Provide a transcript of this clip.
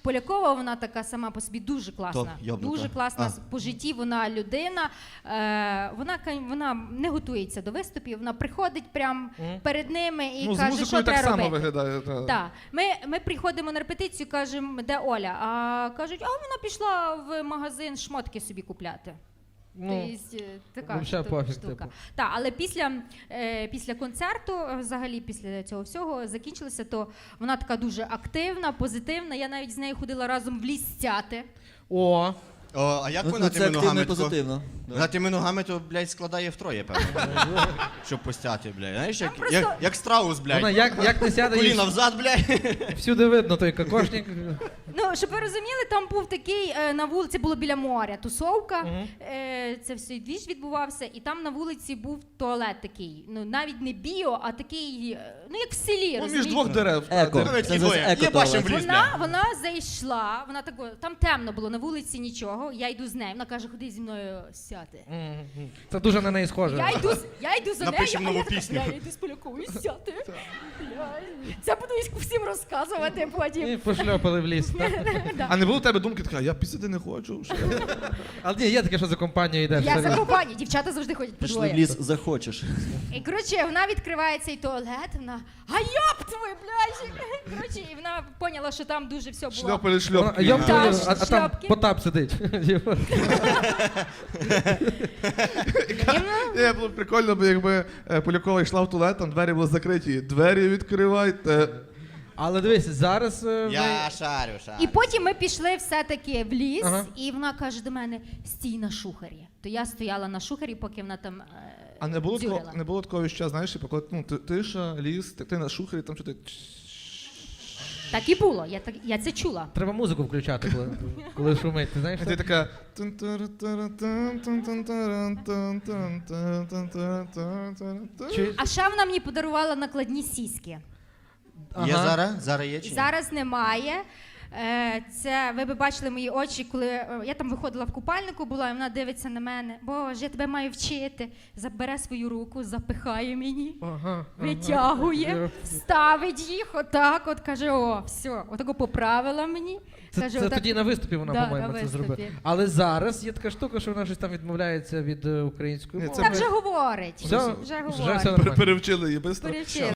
Полякова, вона така сама по собі дуже класна. Дуже класна по житті, вона людина. Вона не готується до виступів, вона приходить прямо перед ними і каже, що треба робити. само виглядає. Так. Ми приходимо на репетицію, кажемо, де Оля? А кажуть, вона пішла в магазин шмотки собі купляти. Така штука. Так, але після концерту, взагалі після цього всього закінчилося, то вона така дуже активна, позитивна. Я навіть з нею ходила разом в ліс стяти. О, а як вона тими ногами? Вона тими ногами, то, блядь, складає втроє, певно. Щоб постяти, блядь. Знаєш, як страус, блядь. Вона як не сяде, коліна взад, блядь. Всюди видно той кокошник. Ну, щоб ви розуміли, там був такий, на вулиці було біля моря тусовка, це все двіж відбувався, і там на вулиці був туалет такий, ну, навіть не біо, а такий, ну, як в селі, розумієте? Між двох дерев. Вона зайшла, вона тако, там темно було, на вулиці нічого, я йду з нею, вона каже, ходи зі мною сяти. Це дуже на неї схоже. Я йду за нею, напишемо нову пісню. Я йду з Поляковою сяти. Це буду всім розказувати потім. І пошльопали в ліс. А не було у тебе думки, така, я пісяти не хочу. Але ні, є таке, що за компанію йдеш. Я за компанію, дівчата завжди ходять по двоє. Пішли в ліс, захочеш. І, коротше, вона відкриває цей туалет, вона, а ёб твою, блядь! Коротше, і вона поняла, що там дуже все було. Шльопали шльопки. А там Потап сидить. Було б прикольно, бо якби Полякова йшла в туалет, там двері були закриті. Двері відкривайте. Але дивись, зараз... Я шарю. І потім ми пішли все-таки в ліс, і вона каже до мене, стій на шухері. То я стояла на шухері, поки вона там А не було такого віща, знаєш, коли тиша, ліс, ти на шухері, там що ти... Так і було, я це чула. Треба музику включати, коли шумить, ти знаєш? І ти така... А ще вона мені подарувала накладні сіськи. Є зараз? Зараз є чи ні? Зараз немає. Це, ви б бачили мої очі, коли я там виходила в купальнику була, і вона дивиться на мене. Боже, я тебе маю вчити. Забере свою руку, запихає мені, витягує, ставить їх отак, от каже, о, все, отако поправила мені. Це тоді на виступі вона, по-моєму, це зробила. Але зараз є така штука, що вона щось там відмовляється від української мови. Та вже говорить. Вже все нормально. Перевчили її швидко.